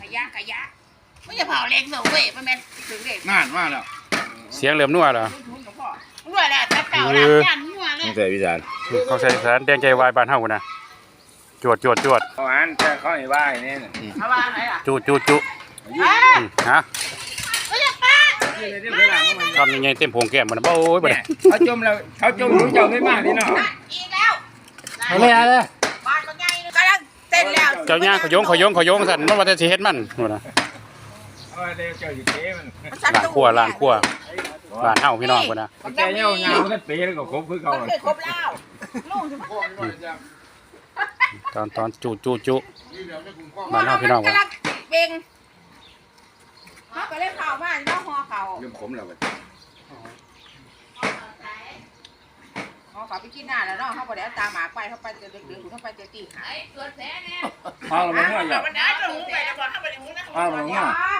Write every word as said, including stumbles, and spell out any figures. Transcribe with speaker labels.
Speaker 1: ยะขยะไม่จะเผาเล็กสูงเว้ยมันแม่นถึงเด็ก
Speaker 2: นานมากแล้ว
Speaker 3: เสียงเหลื่อมนัวเหรอ
Speaker 1: นัวแหละแต่เก่าหลังยันนัวเลย
Speaker 2: ตั้งแต่พิจารณ์
Speaker 3: เขาใส่สารแดงใจวายบ้านเฮานะจวดจวดจวด
Speaker 2: เขาอ่านแต่เขาให้ว่าอย่างนี้
Speaker 1: เอาว่าไหนอ่ะ
Speaker 3: จุจุจุ
Speaker 1: เอ้ย
Speaker 3: ฮะ
Speaker 1: เฮ้ยป้า
Speaker 3: ทำยังไงเต็มโพงแก้มมันโอ้ยบ่ได้
Speaker 2: เขาจมแล้วเขาจมรู้เจ้าไม่มากนี่เนาะ
Speaker 1: อีกแล้ว
Speaker 3: เอาเลยเอาเลย
Speaker 1: บ้านมันใหญ่กำลังเต้นแล้ว
Speaker 3: เจ้าย่างขยงขยงขยงสั่นมันว่าแต่สิเฮ็ดมันนู่นน่ะ
Speaker 2: เออเดี๋ยวเจ้าอยู่เจ๊มัน
Speaker 3: ล้างครัวล้างครัวบ้านเฮาพี่น้องพุ่นน่ะ
Speaker 2: แกเงี้ยงานมันเป๊ะแล้วก็ครบคือเขา
Speaker 1: มันเคยครบแล้วลูกจะมา
Speaker 3: ตอนตอนจุจุจุบ้านเฮาพี่น้องพุ่น
Speaker 1: กำลังเบ่งเขาไปเล่นข่าวมาเนาะฮอเขา
Speaker 2: เริ่มขมแล้ว
Speaker 1: ฮอเขาไปกินหน้าแล้วเนาะเขาบอกเดี๋ยวตามหมาไปเขาไปเจอเด็กๆเขาไปเจอตีขาย
Speaker 2: เอาละมึงว่าอย่า
Speaker 1: มันได้จะหูไปแล้วบอกเขาไปหูนะ
Speaker 2: เอาละมึงว่า
Speaker 1: ไอ้